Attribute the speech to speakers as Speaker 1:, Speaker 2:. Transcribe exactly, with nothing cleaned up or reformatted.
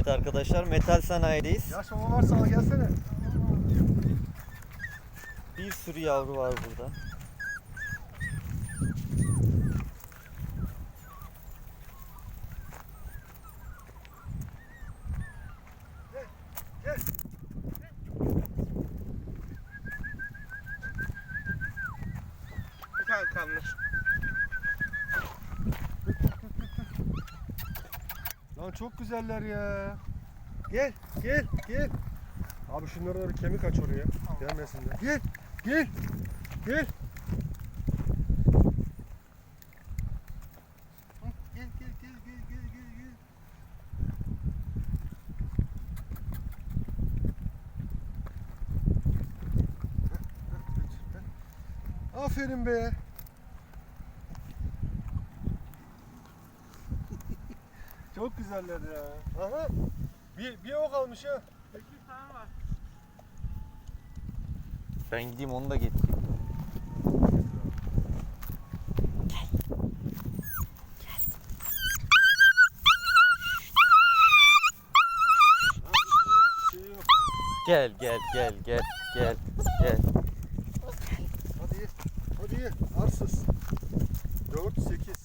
Speaker 1: Evet arkadaşlar, metal sanayideyiz.
Speaker 2: Yaş baba varsa al gelsene.
Speaker 1: Bir sürü yavru var burada.
Speaker 2: Gel, gel. Bir tane kalmış. Lan çok güzeller ya. Gel, gel, gel. Abi şunlara da bir kemik aç oraya. Gelmesinler. Gel, gel, gel. Gel, gel, gel, gel, gel, gel, gel. Aferin be. Çok güzeller ya. Aha. Bir, bir o kalmış ha. sekiz tane var.
Speaker 1: Ben gideyim onu da getireyim. Gel gel gel gel gel gel.
Speaker 2: Hadi ye. Hadi ye. Arsız. dört, sekiz.